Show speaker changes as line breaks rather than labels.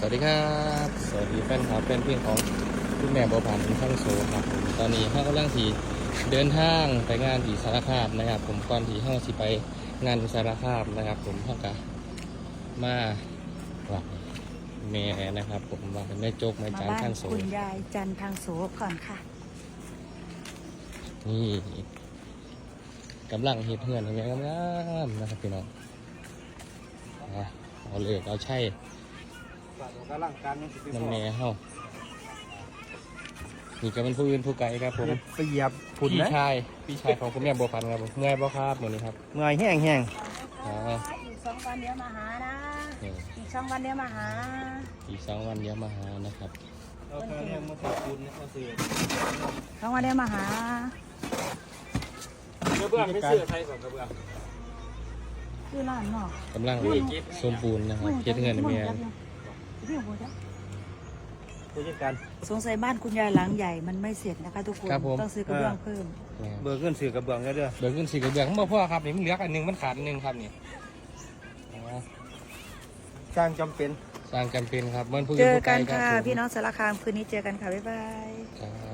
วัสดีครับสวัสดีแฟนคลับเป็นเพื่อนของคุณแม่บัวผันทั้งโซครับผมตอนนี้ห้ากำลังที่เดินทางไปงานที่สารคามนะครับผมก่อนที่ห้าสิไปงานที่สารคามนะครับผมห้ากะมาหลับแม่นะครับผมว่าแม่โจกแม่จานทั้งโซ
คุณยายจันทางโสก่อนค่ะ
นี่กำลังเฮ็ดเฮือนทำไงงามๆนะครับพี่น้องเอาเลยเอาใช่น้ำแม่เฮานี่ก็เป็นผู้อื่นผู้ไกลครับผม
เปียบผุน
พี่
นะ
ชายของคุณแม่บัวพันธ์ครับผมเมื่อยบ่ครับมื้อนี้ครับ
เมื่อยแห้งแห้ง
อีก2 วันเดี๋ยวมาหานะอีก2 วันเดี๋ยวมาหา
อีก2 วันเดี๋ยวมาหานะครับ
เอาแค่นี้มาขอบคุณนะเขาซื้อ
2 วันเดี๋ยวมาหาก
ระเบื้องไม่ซื้อใครก่อนกระเบื้อง
คือร้านเนาะ
กำลังสมบูรณ์นะครับเฮ็ดเฮือนให้แม่
ผู้จัดการ
สงสัยบ้านคุณยายหลังใหญ่มันไม่เสร็จนะคะทุกคนต้องซื้อกระเบื้องเพิ่ม
เบอร์เงินซื้อกระเบื้องเด้อ
เบิกเงิน4กระเบื้องบ่พอครับนี่มันเหลืออันนึงมันขาดอันนึงครับนี่
สร้างจำเป็น
สร้างจำเป็นครับมันผู้
เจ
อื่น
อ
ผู้ไกล
กัน
ครับ
ค่ะ
ผม
พี่น้องสารคามคืนนี้เจอกันค่ะบ๊ายบาย
ครับ